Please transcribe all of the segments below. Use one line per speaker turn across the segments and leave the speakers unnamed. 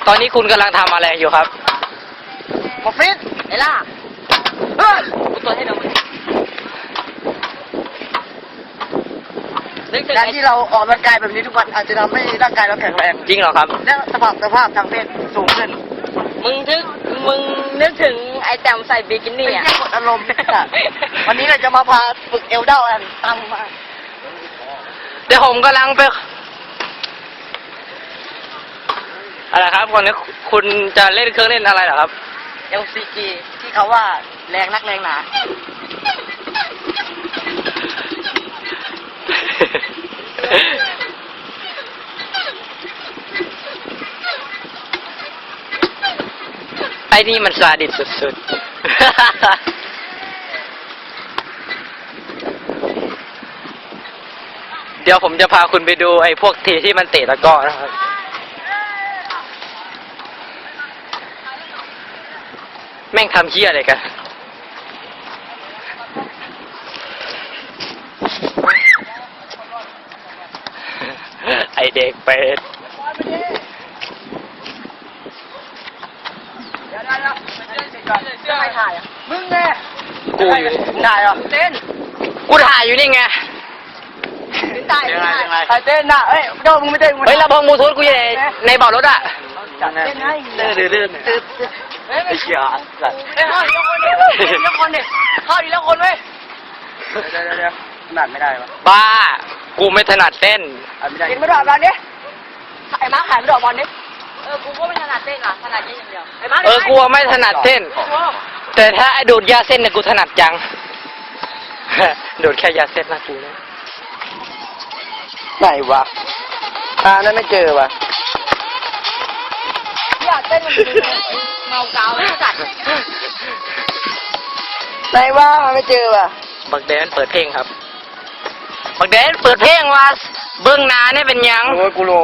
ตอนนี้คุณกำลังทำอะไรอยู่ครับ
หมอฟิตไอ้ล่ากูตัวให้ดูการที่เราออกกำลังกายแบบนี้ทุกวันอาจจะทำให้ร่างกายเราแข็งแรง
จริงเหรอครับ
และสภาพทางเพศสูงขึ้น
มึงนึกถึงไอ้แต้มใส่บิกินี่อ่ะ
เป็นแค่กดอารมณ์วันนี้เราจะมาพาฝึกเอวเด้ากันตามมา
เดี๋ยวผมกำลังไปอะไรครับคนนี้คุณจะเล่นเครื่องเล่นอะไรเหรอครับ
LCG ที่เขาว่าแรงนักแรงหนา
ไอ้นี่มันซาดิสสุดๆ เดี๋ยวผมจะพาคุณไปดูไอ้พวกทีที่มันเตะตะกร้อนะครับแม่งทำเหี้ยอะไรกันไอเด็กเป็ด
ใครถ่ายอ่ะมึงไง
กูอยู่นี่
ถ่ายเหรอเต้น
กูถ่ายอยู่นี่ไง
ถ่ายถ่ายเต้นน่ะเอ้ยโดมึงไม่เต้น
เฮ้ยลำโพงบลูทูธกูอยู่ในเบาะรถอ่ะ
เต้นให้
เลื่อน
เฮ้ย
ไอ้เหี้ยสัตว์
เข้าดีแล้วคนดิเข้าดีแล้วคนเว้ยเดี๋ยวถนัดไม่ได้ปะ
บ้า กูไม่ถนัดเต้น
ไม่ได้กินไม่ได้บอลดิไอ้ม้าขายไม่ได้บอลดิ
กูก็ไม่ถนัดเต้นอ่ะถนัดเต้นอย่างเดียวไอ้มา
กูไม่ถนัดเต้น แต่ถ้าไอ้ดูดยาเส้นเนี่ยกูถนัดจัง ดูดแค่ยาเส้นนะกูนะไหนวะนั่นไม่เจอวะ
อยากเต้นมันเมากาวแล้วจัด
ไหนวะไม่เจอวะ
บักแดนเปิดเพลงครับ บักแดนเปิดเพลงว่าเบื้องหน้าเนี่ยเป็นยัง
โอ้ยกูโล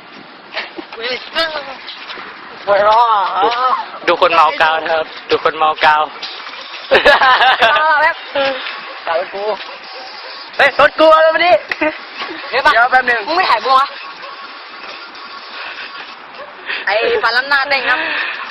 ปวดร้อ
ดูคนเมากาวนะครับ ดูคนเมากาว
แบบสาวกูเฮ้ยสดกูแล้ววันนี้เดี๋ยวแป๊บนึง
มึงไม่ถ่ายบัวไอ้ปลาล้ำหน้าเต้นครับ